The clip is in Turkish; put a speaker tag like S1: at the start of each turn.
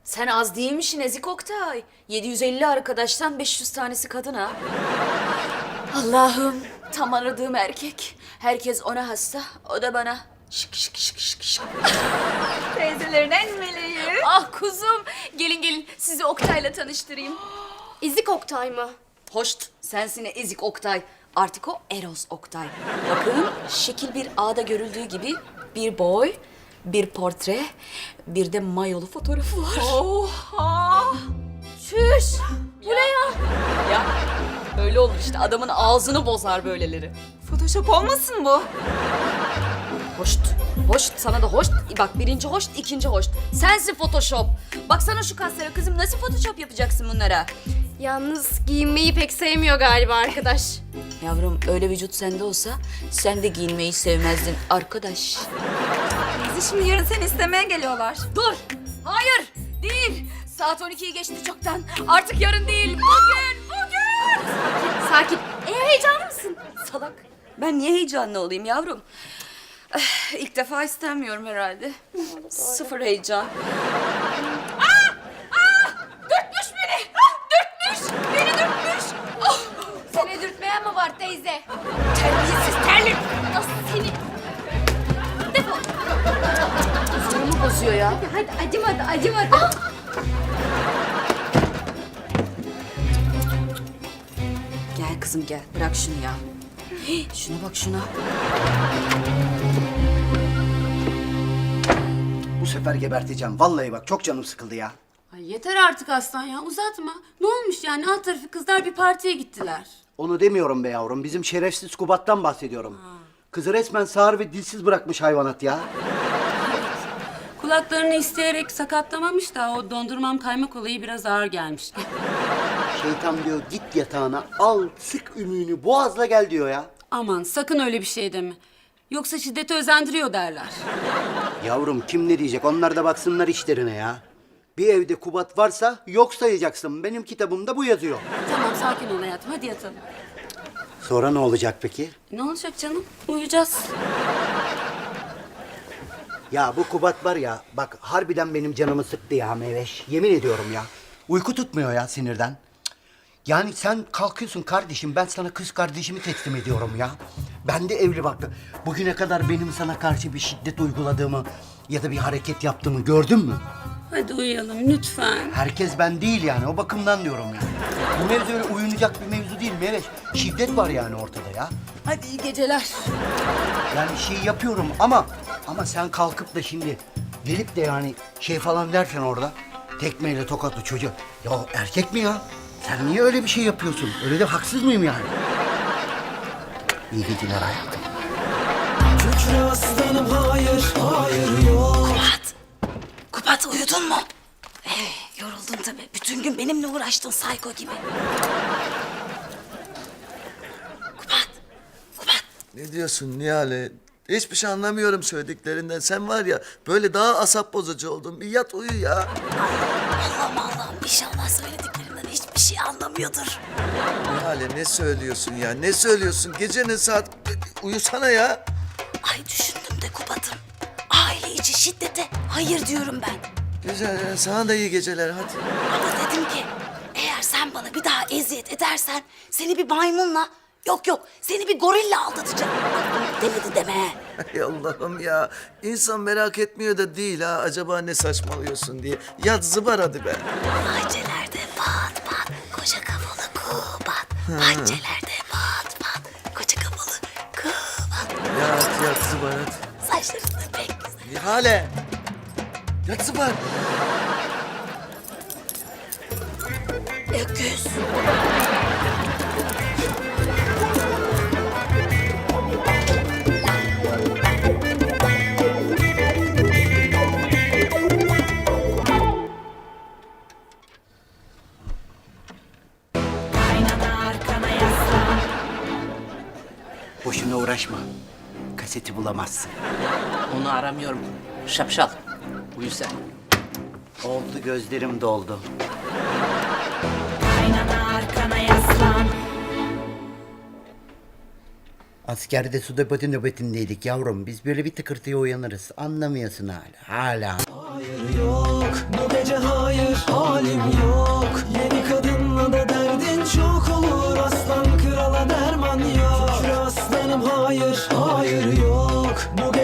S1: Sen az değilmişsin Ezik Oktay. 750 arkadaştan 500 tanesi kadın ha. Allah'ım, tam aradığım erkek. Herkes ona hasta, o da bana. Şık şık şık şık şık.
S2: Teyzelerin en meleği.
S1: Ah kuzum, gelin gelin sizi Oktay'la tanıştırayım.
S3: Ezik Oktay mı?
S1: Hoşt, sensin Ezik Oktay. Artık o Eros Oktay. Bakın, şekil bir A'da görüldüğü gibi bir boy, bir portre, bir de mayolu fotoğrafı var.
S2: Oha!
S1: Çüş! Bu ne ya? Ya, öyle olur işte. Adamın ağzını bozar böyleleri.
S2: Photoshop olmasın bu?
S1: Hoşt, hoşt. Sana da hoşt. Bak birinci hoşt, ikinci hoşt. Sensin Photoshop. Baksana şu kaslara kızım. Nasıl Photoshop yapacaksın bunlara?
S3: Yalnız giyinmeyi pek sevmiyor galiba arkadaş.
S1: Yavrum öyle vücut sende olsa sen de giyinmeyi sevmezdin arkadaş.
S2: Bizi şimdi yarın seni istemeye geliyorlar.
S1: Dur! Hayır! Değil! Saat 12'yi geçti çoktan. Artık yarın değil. Bugün!
S3: Sakin. Heyecanlı mısın?
S1: Salak. Ben niye heyecanlı olayım yavrum? İlk defa istemiyorum herhalde. Sıfır heyecan. Dürtmüş beni! Dürtmüş! Beni dürtmüş! Oh!
S3: Seni dürtmeyen mi var teyze?
S1: Terbiyesiz terlik!
S3: Nasıl seni? Defol.
S1: Zorumu bozuyor ya.
S3: Hadi acımadı.
S1: Gel kızım gel. Bırak şunu ya. Hii, şuna bak şuna.
S4: Bu sefer geberteceğim. Vallahi bak çok canım sıkıldı ya.
S5: Ay yeter artık aslan ya, uzatma. Ne olmuş yani, alt tarafı kızlar bir partiye gittiler.
S4: Onu demiyorum be yavrum. Bizim şerefsiz Kubat'tan bahsediyorum. Kızı resmen sağır ve dilsiz bırakmış hayvanat ya.
S5: Kulaklarını isteyerek sakatlamamış da o dondurmam kaymak olayı biraz ağır gelmiş.
S4: Şeytan diyor git yatağına al sık ümüğünü boğazla gel diyor ya.
S5: Aman sakın öyle bir şey deme. Yoksa şiddeti özendiriyor derler.
S4: Yavrum kim ne diyecek onlar da baksınlar işlerine ya. Bir evde Kubat varsa yok sayacaksın. Benim kitabımda bu yazıyor.
S5: Tamam sakin ol hayatım, hadi yatalım.
S4: Sonra ne olacak peki?
S5: Ne olacak canım? Uyuyacağız.
S4: Ya bu Kubat var ya bak harbiden benim canımı sıktı ya Meveş. Yemin ediyorum ya. Uyku tutmuyor ya sinirden. Cık. Yani sen kalkıyorsun kardeşim ben sana kız kardeşimi teslim ediyorum ya. Ben de evli baktım. Bugüne kadar benim sana karşı bir şiddet uyguladığımı ya da bir hareket yaptığımı gördün mü?
S5: Hadi uyuyalım lütfen.
S4: Herkes ben değil yani o bakımdan diyorum yani. Bu mevzu öyle uyunacak bir mevzu değil Meveş. Şiddet var yani ortada ya.
S1: Hadi iyi geceler.
S4: Yani şey yapıyorum ama sen kalkıp da şimdi gelip de yani şey falan dersen orada tekmeyle tokatlı çocuğu. Ya erkek mi ya? Sen niye öyle bir şey yapıyorsun? Öyle de haksız mıyım yani? İyi geceler hayatım.
S6: Kükre aslanım hayır yok.
S1: Kubat uyudun mu? Yoruldun tabii. Bütün gün benimle uğraştın sayko gibi. Kubat.
S7: Ne diyorsun Nihale? Hiçbir şey anlamıyorum söylediklerinden. Sen var ya böyle daha asap bozucu oldun. Bir yat uyu ya.
S1: Allah'ım inşallah söylediklerimden hiçbir şey anlamıyordur.
S7: Nihale ne söylüyorsun ya? Ne söylüyorsun? Gecenin saat... Uyusana ya.
S1: Ay düşündüm de Kubat'ım. Aile içi şiddete hayır diyorum ben.
S7: Güzel ya. Sana da iyi geceler hadi.
S1: Ama dedim ki eğer sen bana bir daha eziyet edersen seni bir maymunla yok seni bir gorille aldatacağım. Bak bunu demedi deme.
S7: Ay Allah'ım ya. İnsan merak etmiyor da değil ha. Acaba ne saçmalıyorsun diye. Yat zıbar hadi be.
S1: Bahçelerde pat pat koca kafalı Kubat. Bahçelerde pat pat koca kafalı Kubat.
S7: Yat zıbar hadi.
S1: Saçların da pek güzel.
S7: Nihale. Yat zıbar.
S1: Öküz.
S4: Boşuna uğraşma. Kaseti bulamazsın.
S8: Onu aramıyorum. Şapşal. Uyu sen.
S4: Oldu gözlerim doldu. Askerde suda pati nöbetindeydik yavrum. Biz böyle bir tıkırtıya uyanırız. Anlamıyorsun hala. Hala.
S6: Hayır yok. yok. Bu gece hayır, halim yok. Yeni kadınla da derdin çok olur. Aslan krala derman yok. Şükür aslanım hayır, hayır yok. Bu